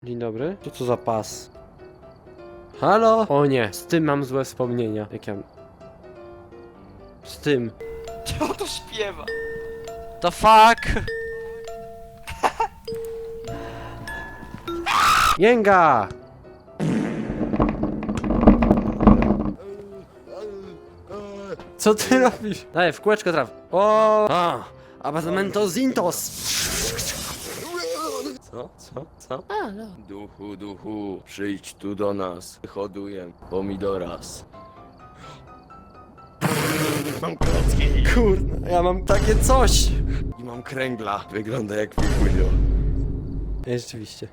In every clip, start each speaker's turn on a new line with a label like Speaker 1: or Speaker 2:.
Speaker 1: Dzień dobry. Co to za pas? Halo? O nie, z tym mam złe wspomnienia. Jak ja... Z tym.
Speaker 2: Czemu to śpiewa?
Speaker 1: The fuck? Jęga! Co ty robisz? Daj, w kółeczko traf. O! A! Apartamento Zintos! Co?
Speaker 2: Duchu, przyjdź tu do nas. Hoduję pomidoras. Mam klocki
Speaker 1: Kurna, ja mam takie coś!
Speaker 2: i mam kręgla. Wygląda jak Wikujo.
Speaker 1: Rzeczywiście.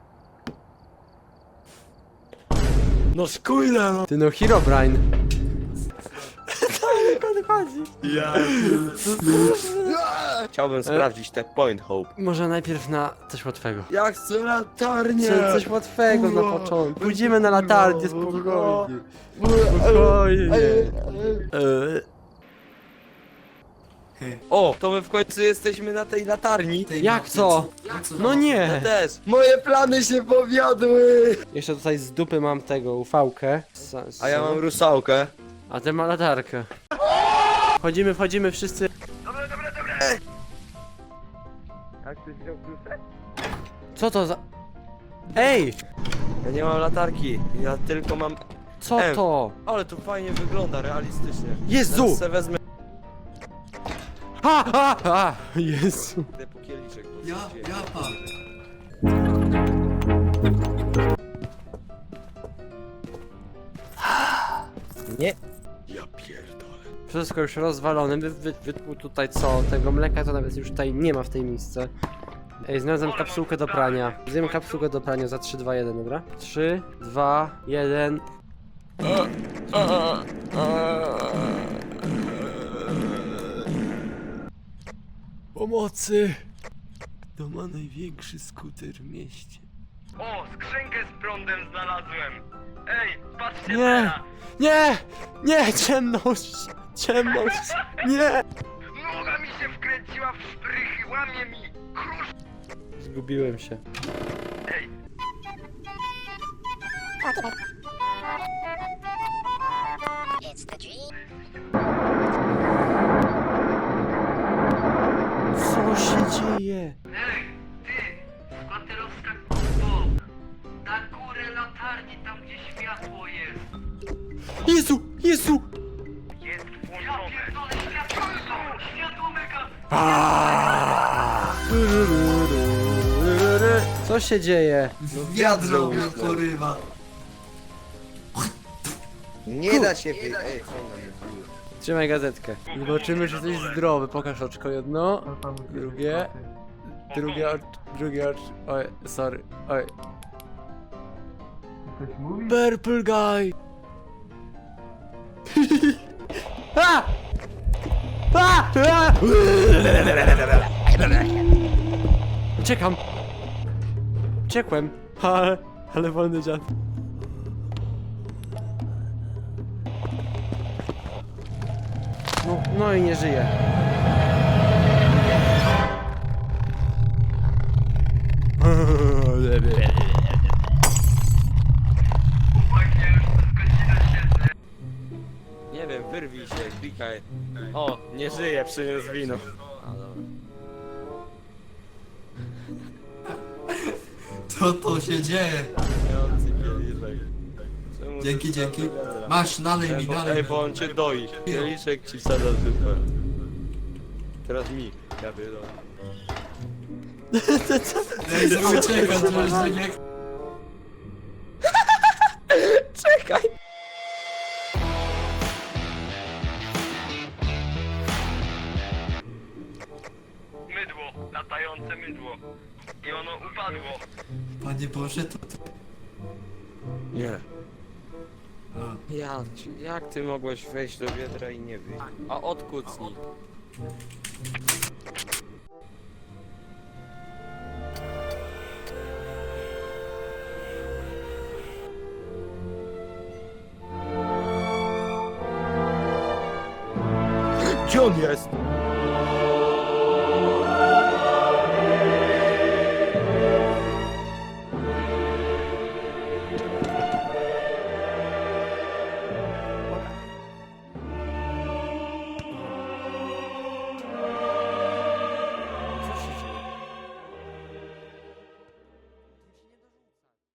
Speaker 2: No skójle no!
Speaker 1: Ty no, Herobrine.
Speaker 2: Ja. Chciałbym sprawdzić te point hope.
Speaker 1: Może najpierw na coś łatwego.
Speaker 2: Ja chcę latarnię!
Speaker 1: Coś łatwego na początku. Pójdziemy na latarnię, spokojnie. Spokojnie.
Speaker 2: O, to my w końcu jesteśmy na tej latarni.
Speaker 1: Jak co? No
Speaker 2: Ja
Speaker 1: nie!
Speaker 2: też. Moje plany się powiodły!
Speaker 1: Jeszcze tutaj z dupy mam tego ufałkę.
Speaker 2: A ja mam rusałkę.
Speaker 1: A ty ma latarkę. Wchodzimy wszyscy.
Speaker 2: Jak ktoś wziął klucze?
Speaker 1: Co to za... Ej!
Speaker 2: Ja nie mam latarki, ja tylko mam...
Speaker 1: Co to?
Speaker 2: Ale to fajnie wygląda, realistycznie.
Speaker 1: Jezu!
Speaker 2: Teraz se wezmę...
Speaker 1: Ha! Jezu.
Speaker 2: Idę po kieliszek. bo
Speaker 3: Ja
Speaker 2: się dzieje.
Speaker 3: pan.
Speaker 2: Nie. Ja pierdolę.
Speaker 1: Wszystko już rozwalone. Wytłuł tutaj co? Tego mleka to nawet już tutaj nie ma w tej miejsce. Ej, znalazłem kapsułkę do prania. Zjem kapsułkę do prania za 3, 2, 1, dobra? 3, 2, 1. Pomocy! Kto ma największy skuter w mieście?
Speaker 4: O, skrzynkę z prądem znalazłem! Ej, patrzcie
Speaker 1: Nie!
Speaker 4: teraz!
Speaker 1: Nie! Nie! Ciemność! Ciemność! Nie!
Speaker 4: Noga mi się wkręciła w szprychy, łamie mi! Krusz!
Speaker 1: Zgubiłem się.
Speaker 4: Ej,
Speaker 1: Co się dzieje?
Speaker 4: ej, ty! Kwaterowska kupo! Na górę latarni, tam gdzie światło jest!
Speaker 1: Jezu! Jezu!
Speaker 4: Jest włączone! Ja pierdolę, światło! Światło mega!
Speaker 1: Co się dzieje?
Speaker 3: Wiadro mnie porywa.
Speaker 2: Nie da się Ej,
Speaker 1: Trzymaj gazetkę. Zobaczymy, czy jesteś zdrowy. Pokaż oczko jedno. Drugie. Drugie oczko. Oj, sorry. Oj. Purple guy! A! A! A! Uciekam! Uciekłem! Ale wolny dziad. No i nie żyje.
Speaker 4: Chłopaki, ja już przez godzinę siedzę.
Speaker 2: Nie wiem, wyrwij się, klikaj. O, nie żyje, przyniósł wino. A, dobra.
Speaker 3: Co to się dzieje?
Speaker 2: Mający kieliszek. Czemu
Speaker 3: Dzięki,
Speaker 2: ty
Speaker 3: dzięki.
Speaker 2: tam wygląda?
Speaker 3: Masz, nalej mi, nalej
Speaker 2: Ej,
Speaker 3: mi.
Speaker 2: bo on cię doi. Kieliszek ci sada super. Teraz mi. Ja pierdolę.
Speaker 3: Ej, uciekam, że nie...
Speaker 2: Czekaj!
Speaker 4: Mydło, latające mydło. I ono upadło.
Speaker 3: Panie Boże, to...
Speaker 2: Nie.
Speaker 3: A,
Speaker 2: Jak ty mogłeś wejść do wiedra i nie wyjść? A odkucnij. Gdzie on jest?